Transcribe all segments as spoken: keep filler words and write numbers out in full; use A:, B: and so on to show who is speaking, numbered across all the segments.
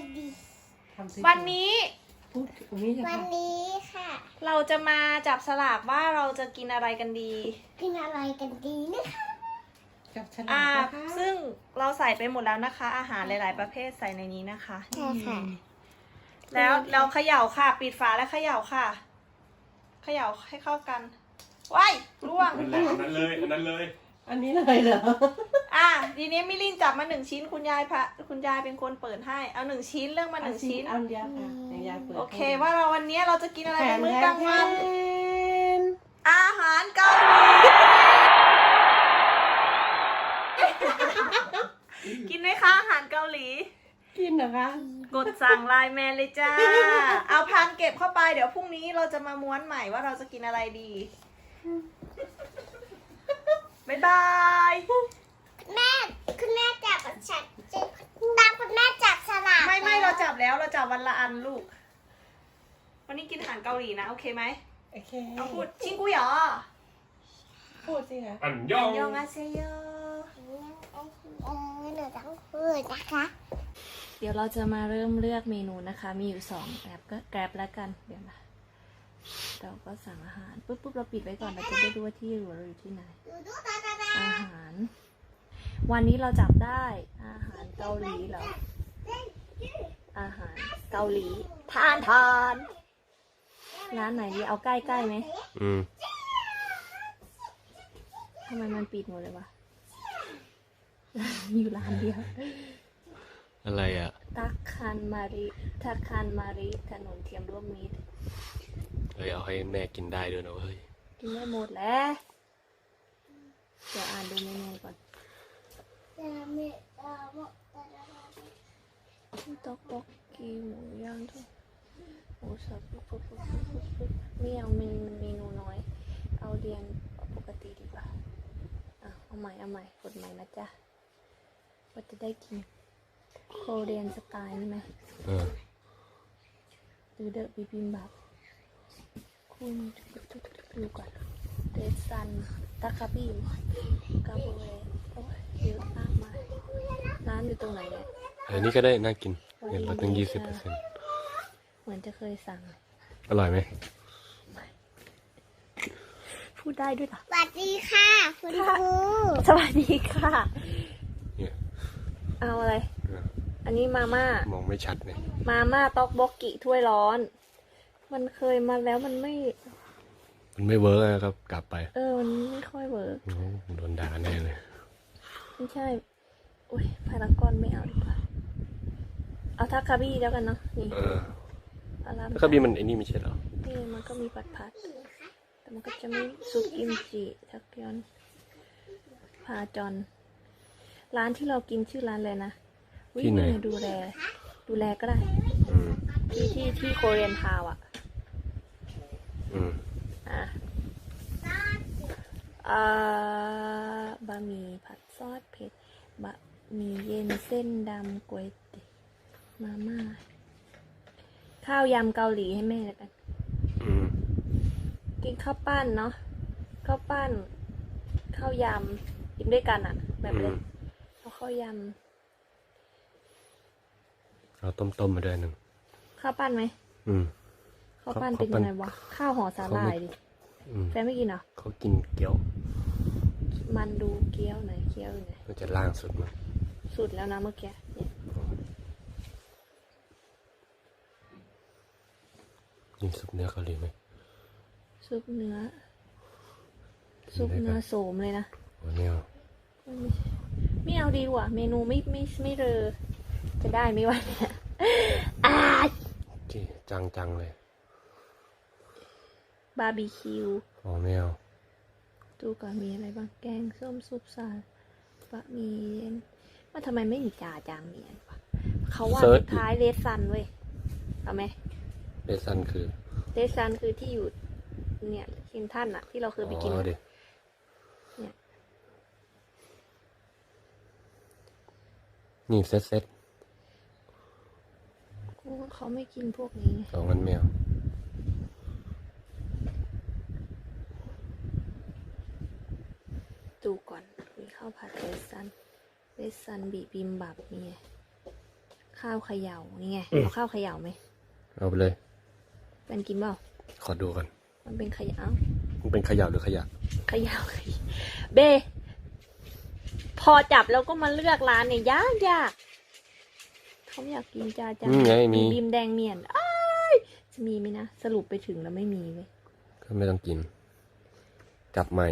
A: ดี
B: วันนี้
A: วันนี้ค่ะ
B: เราจะมาจับสลากว่าเราจะกินอะไรกันดี
A: กินอะไรกันดีนะคะ
C: จับฉลา
B: อ่าก
C: นะคะ
B: ซึ่งเราใส่ไปหมดแล้วนะคะ อาหารหลาย ๆ ประเภทใส่ในนี้นะคะ
A: ใช่ค่ะ
B: แล้วเราเขย่าค่ะ ปิดฝาแล้วเขย่าค่ะเขย่าให้เข้ากันว้ายร่วง
D: นั่นแหละอันนั้นเลยอันนั้นเลย
C: อันนี้เลยเหรอ
B: อ่ะทีนี้มิลินจับมาหนึ่งชิ้นคุณยายพระคุณยายเป็นคนเปิดให้เอาหนึ่งชิ้นเรื่องมาหนึ่งชิ้น
C: อันเดียวค่ะอย่างยายเปิด
B: โอเคว่าเราวันนี้เราจะกินอะไร
C: แผ
B: เป็น นมื้อกลางวัน
C: แทน
B: อาหารเกาหลี กินไหมคะอาหารเกาหลี
C: กินเหรอคะ
B: กดสั่งไลน์แมนเลยจ้า เอาพานเก็บเข้าไปเดี๋ยวพรุ่งนี้เราจะมาม้วนใหม่ว่าเราจะกินอะไรดี บ๊ายบาย
A: แม่คุณแม่จับฉันตามคุณแม่จับสลาก
B: ไม่ไม่เราจับแล้วเราจับวันละอันลูก วันนี้กินอาหารเกาหลีนะโอเคไหม
C: โอเค
B: เอาพูดชิงกุยเหรอ
C: พูดสิคะ
D: อันยอง
B: ยองอาเซโย
A: เออหนูต้องพูดนะคะ
B: เดี๋ยวเราจะมาเริ่มเลือกเมนูนะคะ มีอยู่สองแกร็บก็แกร็บแล้วกันเดี๋ยวนะเราก็สั่งอาหารปุ๊บปุ๊บเราปิดไว้ก่อนเราจะได้รู้ว่าที่อยู่เราอยู่ที่ไหน
A: ดูดูตาตาตา
B: อาหาร วันนี้เราจับได้อาหารเกาหลีเหรออาหารเกาหลีทานทานร้านไหนดีเอาใกล้ใกล้ไหม
D: อืม
B: ทำไมมันปิดหมดเลยวะ อยู่ร้านเดียว
D: อะไรอ่ะ
B: ตักคันมาริทักคันมาริถนนเทียมร่วมมิตร
D: เฮ้ยเอาให้แม่กินได้ด้วยนะเฮ้ย
B: กินได้หมดแล้วเดี๋ยวอ่านดูเมนูก่อน
A: จะไม่เออม
B: ต๊อกบกกีหมูย่างทุกหมูสับปุ๊บปุ๊บปุ๊บปุ๊บปุ๊บไม่เอาเมนูเมนูน้อย เอาเรียงปกติดีกว่าอ่ะเอาใหม่เอาใหม่กดใหม่นะจ๊ะว่าจะได้กินโคเรียนสไตล์นี่ไหม
D: เออ
B: หรือเดอะบิบิมบับคุณดูก่อนเดซันตาคาบิมกาโบเรโอ้ยเยอะมากมายร้านอยู่ตรงไหนเนี่ย
D: อันนี้ก็ได้น่ากินเงินลดตั้งยี่สิบเปอร์เซ็นต์
B: เหมือนจะเคยสั่ง
D: อร่อยไหม
B: พูดได้ด้วยเหรอ
A: สวัสดีค่ะคุณครู
B: สวัสดีค่ะ
D: เนี่ย
B: เอาอะไร อันนี้มาม่าม
D: องไม่ชัดเลย
B: มาม่าต๊อกบกกิถ้วยร้อน มันเคยมาแล้วมันไม่
D: มันไม่เวิร์กนะครับ กลับไป
B: เออ มันไม่ค่อยเวิร์ก
D: โอ้โหโดนด่าแน่เลย
B: ไม่ใช่ อุ้ยพารากอนไม่เอาดีกว่า เอาทาคาบี้แล้วกันเนาะ นี่
D: เออ
B: อารา
D: แล้วก็มีมันไอ้นี่ไม่ใช่เหรอ
B: นี่มันก็มีผัดผัด แต่มันก็จะไม่ซุปกิมจิทักยอน พาจอน ร้านที่เรากินชื่อร้านเลยนะอุ๊ย
D: ที่ไหน
B: ดูแล ดูแลก็ได้
D: อืม
B: ที่ที่ที่โคเรียนทาวน์อ่ะ
D: อืม
B: อ่ะอ่าบะหมี่ผัดซอสเผ็ด บะหมี่เย็นเส้นดำก๋วยเตี๋ยวมาม่า ข้าวยำเกาหลีให้แม่แล้วกัน
D: อืม
B: กินข้าวปั้นเนาะ ข้าวปั้น ข้าวยำกินด้วยกันอะแบบ
D: อื
B: เล
D: ม
B: ยเอาข้าวย
D: เอาต้มๆมาด้วยหนึ่ง
B: ำข้าวปั้นไหม
D: อืม
B: ข้าวปั้น
D: ข้าว
B: เป็น
D: ปั้
B: ยั
D: น
B: งไงวะ ข้าวห่อสาหร่ายดิ
D: อืม
B: แฟนไม่กินเหรอ
D: เขากินเกี๊ยว
B: มันดูเกี๊ยวหน่อยเกี๊ยวอยู่ไหน
D: มันจะล่างสุดมั้ง
B: สุดแล้วนะเมื่อกี้เนี่ย
D: นี่ซุปเนื้อเกาหลีไหม
B: ซุปเนื้อ ซุปเนื้อโสมเลยนะ
D: โอ้เนี่ย
B: ไม่ใช่ไม่เอาดีกว่า เมนูไม่ไม่ไม่เรอ จะได้ไหมวะเนี่ยอ่า
D: จีจังจังๆเลย
B: บาร์บีคิว
D: อ๋อไม่เอา
B: ดูก่อนมีอะไรบ้าง แกงส้มซุปสาลบะหมี่เย็นว่าทำไมไม่มีจ่าจางเมียนวะเขาว่าสุดท้ายเลสซันเว้ย เอาไหม
D: เบซันคือ
B: เลสซันคือที่อยู่ เนี่ยคินท่านอะที่เราเคยไปกิน
D: อ๋อ
B: อะ
D: ดิ
B: เนี่ย
D: นี่เซ็ตเซ็ต
B: เขาไม่กินพวกนี้ไง
D: สองงั้นไม่เอา
B: ดูก่อน มีข้าวผัดเวสซัน เวสซันบีบิมบับมีไงข้าวเขย่านี่ไงเอาข้าวเขย่าไหม
D: เอาไปเลย
B: เป็นกินเปล่า
D: ขอดูกัน
B: มันเป็นเขย่า
D: มันเป็นขยะหรือขยะ
B: เขย่าเขย่าเบ พอจับแล้วก็มาเลือกร้านเนี่ยยากยากเขาอยากกินจาจา
D: นี่ไงมี
B: บีมแดงเมียนอ้ายจะมีไหมนะสรุปไปถึงแล้วไม่มีเลย
D: ก็ไม่ต้องกิน จับใหม่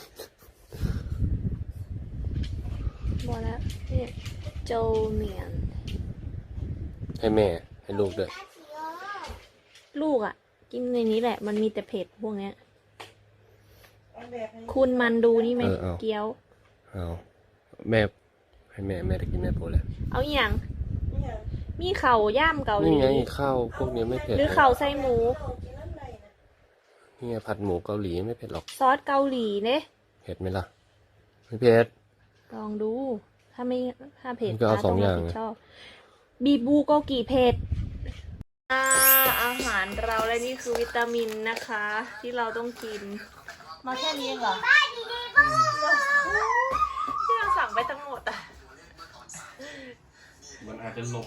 B: บอกแล้วเนี่ยโจเมียน
D: ให้แม่ให้ลูกด้วย
B: ลูกอ่ะ กินในนี้แหละ มันมีแต่เผ็ดพวกเนี้ย
C: เอาแบบให้
B: คุณมันดูนี่ไหม
D: เออเอา
B: เกี๊ยว
D: เอาแม่ให้แม่แม่ได้กินแม่โปรแล้ว
B: เอาอหย่าง
C: เนี่ย
B: มีเข่าย่ามเกาหลี
D: นี่ไงข้าวพวกนี้ไม่เผ็ด
B: หรือเข่าไส้หมู
C: เอากินน้ำในนะ
D: นี่ไงผัดหมูเกาหลีไม่เผ็ดหรอก
B: ซอสเกาหลีเนี่ย
D: เผ็ดไหมล่ะ ไม่เผ็ด
B: ลองดู ถ้าไม่ถ้าเผ็ด
D: มันก็เอา
B: ป้
D: สองอย่าง
B: ต้รับผิดชอบบีบูโกกิเผ็ดอ่าอาหารเราและนี่คือวิตามินนะคะ ที่เราต้องกิน มาแค่นี้เองเหรอที่เราสั่งไปทั้งหมดอ่ะ
D: มันอาจจะหลบ